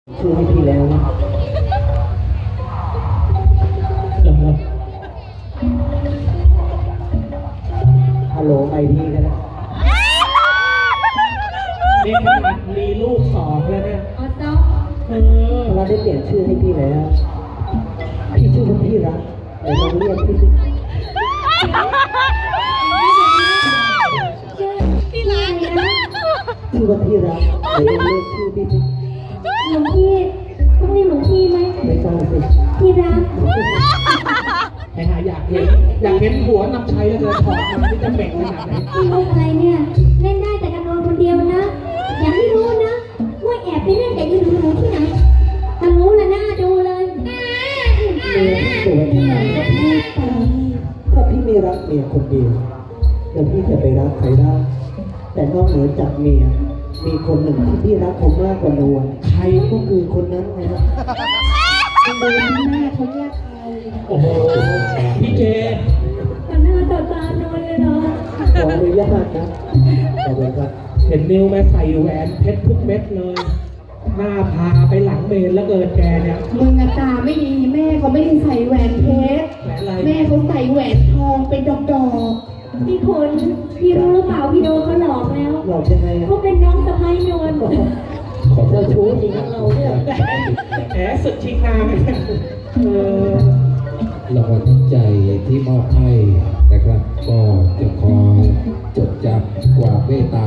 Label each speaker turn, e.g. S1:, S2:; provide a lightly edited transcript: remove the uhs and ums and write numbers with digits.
S1: ชื่อให้พี่แล้วนะฮัลโหลไอพี่กันนะนี่ขนาดมีลูกสองแล้วเนี่ยเราได้เปลี่ยนชื่อให้พี่แล้วพี่ชื่อว่าพี่รักเดี๋ยวลองเรียกพี่สิ
S2: ที่ร้านนะ
S1: ชื่อว่าพี่รักเดี๋ยวลองเรียกชื่อพี่สิ
S2: หลวงพี่ต้องเรียกหลวงพี่ไหม
S1: ไม่ต้องสิ
S2: ที่รัก
S1: ไอ้หาอยากเห็นหัวนำชัยแล้วเลยถอดมาที่จะเบ่งขนาดไหน
S2: พี่มุกอะไรเนี่ยเล่นได้แต่กับนอนคนเดียวนะอย่าให้รู้นะว่าแอบไปเล่นกับยืนหนูที่ไหนถ้ารู้ละหน้าดูเลย
S1: เมียสวยขนาดนี้ถ้าพี่ไม่รักเมียคนเดียวแล้วพี่จะไปรักใครได้แต่นอกเหนือจากเมียมีคนหนึ่งที่พี่รักเขามากกว่านวลใครก็คือคนนั้นไงนะคนเดินที่หน้าเขาเรียกใครโอ้โหพี่เจ
S2: ต่อหน้าต่อตานอนเลยเนาะ
S1: ขออนุญาตนะขอบคุณครับเห็นนิ้วแม่ใส่แหวนเพชรทุกเม็ดเลยหน้าพาไปหลังเมนแล้วเกินแกเนี่ย
S3: มึงตาไม่ดีแม่เขาไม่ได้ใส่แหวนเพชร
S1: แหวนอะไร
S3: แม่เขาใส่แหวนทองเป็นดอก
S2: พี่คนพี่รู้หรือเปล่าพี่โดนเขาหลอกแล้ว
S1: หลอกยังไงอะ
S2: เขาเป็นน้องสะใภ้นวล
S1: ขอเจ้าชู้จริงนะเราเนี่ยแหมสุดชิงนางเออ
S4: รางวัลน้ำใจที่มอบให้นะครับ ก็จะขอจดจำความเมตตา